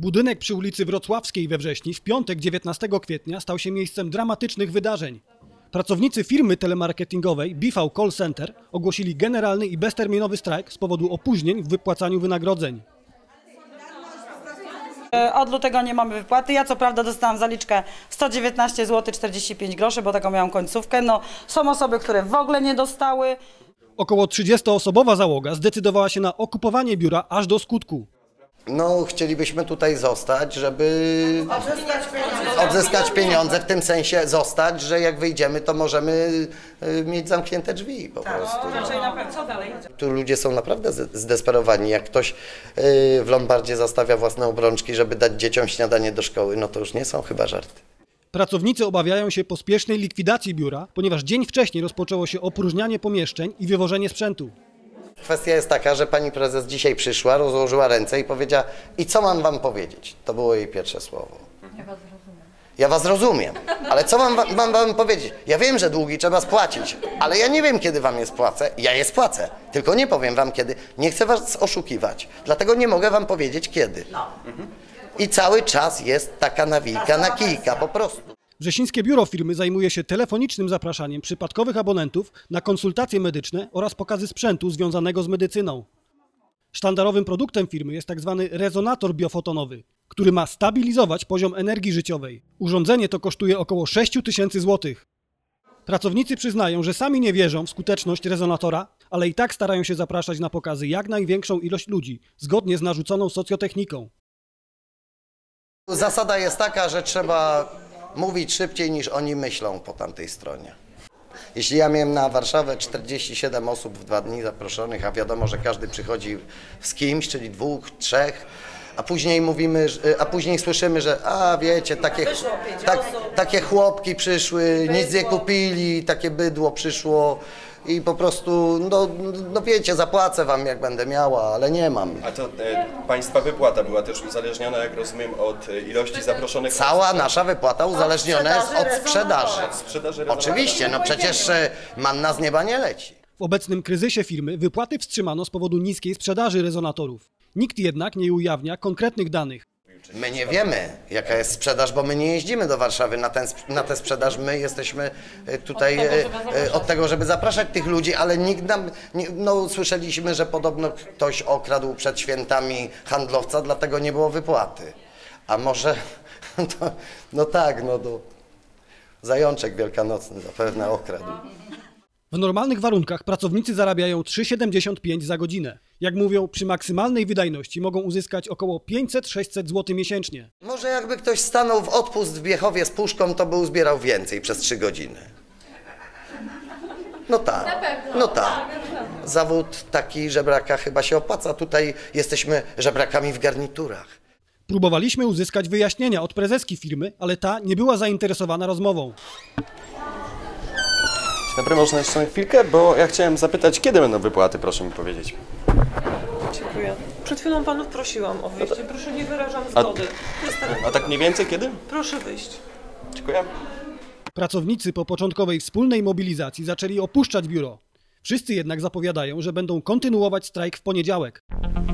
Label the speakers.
Speaker 1: Budynek przy ulicy Wrocławskiej we Wrześni w piątek 19 kwietnia stał się miejscem dramatycznych wydarzeń. Pracownicy firmy telemarketingowej BV Call Center ogłosili generalny i bezterminowy strajk z powodu opóźnień w wypłacaniu wynagrodzeń.
Speaker 2: Od lutego nie mamy wypłaty. Ja co prawda dostałam zaliczkę 119 zł 45 groszy, bo taką miałam końcówkę. No, są osoby, które w ogóle nie dostały.
Speaker 1: Około 30-osobowa załoga zdecydowała się na okupowanie biura aż do skutku.
Speaker 3: No, chcielibyśmy tutaj zostać, żeby odzyskać pieniądze, w tym sensie zostać, że jak wyjdziemy, to możemy mieć zamknięte drzwi po prostu.
Speaker 2: Co dalej?
Speaker 3: Tu ludzie są naprawdę zdesperowani. Jak ktoś w Lombardzie zastawia własne obrączki, żeby dać dzieciom śniadanie do szkoły, no to już nie są chyba żarty.
Speaker 1: Pracownicy obawiają się pospiesznej likwidacji biura, ponieważ dzień wcześniej rozpoczęło się opróżnianie pomieszczeń i wywożenie sprzętu.
Speaker 3: Kwestia jest taka, że pani prezes dzisiaj przyszła, rozłożyła ręce i powiedziała: i co mam wam powiedzieć? To było jej pierwsze słowo. Ja was rozumiem, ale co mam wam powiedzieć? Ja wiem, że długi trzeba spłacić, ale ja nie wiem, kiedy wam je spłacę. Ja je spłacę, tylko nie powiem wam kiedy. Nie chcę was oszukiwać, dlatego nie mogę wam powiedzieć kiedy. I cały czas jest taka nawijka na kijka po prostu.
Speaker 1: Wrzesińskie biuro firmy zajmuje się telefonicznym zapraszaniem przypadkowych abonentów na konsultacje medyczne oraz pokazy sprzętu związanego z medycyną. Sztandarowym produktem firmy jest tzw. rezonator biofotonowy, który ma stabilizować poziom energii życiowej. Urządzenie to kosztuje około 6 000 złotych. Pracownicy przyznają, że sami nie wierzą w skuteczność rezonatora, ale i tak starają się zapraszać na pokazy jak największą ilość ludzi, zgodnie z narzuconą socjotechniką.
Speaker 3: Zasada jest taka, że trzeba mówić szybciej niż oni myślą po tamtej stronie. Jeśli ja miałem na Warszawę 47 osób w 2 dni zaproszonych, a wiadomo, że każdy przychodzi z kimś, czyli 2, 3, a później słyszymy, że wiecie, takie chłopki przyszły, nic nie kupili, takie bydło przyszło i po prostu, no wiecie, zapłacę wam jak będę miała, ale nie mam.
Speaker 4: A to państwa wypłata była też uzależniona, jak rozumiem, od ilości zaproszonych?
Speaker 3: Cała nasza wypłata uzależniona jest od sprzedaży.
Speaker 4: Od sprzedaży.
Speaker 3: Oczywiście, no przecież manna z nieba nie leci.
Speaker 1: W obecnym kryzysie firmy wypłaty wstrzymano z powodu niskiej sprzedaży rezonatorów. Nikt jednak nie ujawnia konkretnych danych.
Speaker 3: My nie wiemy, jaka jest sprzedaż, bo my nie jeździmy do Warszawy na tę sprzedaż. My jesteśmy tutaj od tego, żeby zapraszać tych ludzi, ale nikt nam... słyszeliśmy, że podobno ktoś okradł przed świętami handlowca, dlatego nie było wypłaty. A może... Zajączek wielkanocny zapewne okradł.
Speaker 1: W normalnych warunkach pracownicy zarabiają 3,75 za godzinę. Jak mówią, przy maksymalnej wydajności mogą uzyskać około 500-600 zł miesięcznie.
Speaker 3: Może jakby ktoś stanął w odpust w Biechowie z puszką, to by uzbierał więcej przez 3 godziny. No tak. Zawód taki żebraka chyba się opłaca. Tutaj jesteśmy żebrakami w garniturach.
Speaker 1: Próbowaliśmy uzyskać wyjaśnienia od prezeski firmy, ale ta nie była zainteresowana rozmową.
Speaker 4: Dobry, można jeszcze na chwilkę, bo ja chciałem zapytać, kiedy będą wypłaty, proszę mi powiedzieć.
Speaker 5: Dziękuję. Przed chwilą panów prosiłam o wyjście. Proszę, nie wyrażam zgody.
Speaker 4: A tak mniej więcej kiedy?
Speaker 5: Proszę wyjść.
Speaker 4: Dziękuję.
Speaker 1: Pracownicy po początkowej wspólnej mobilizacji zaczęli opuszczać biuro. Wszyscy jednak zapowiadają, że będą kontynuować strajk w poniedziałek.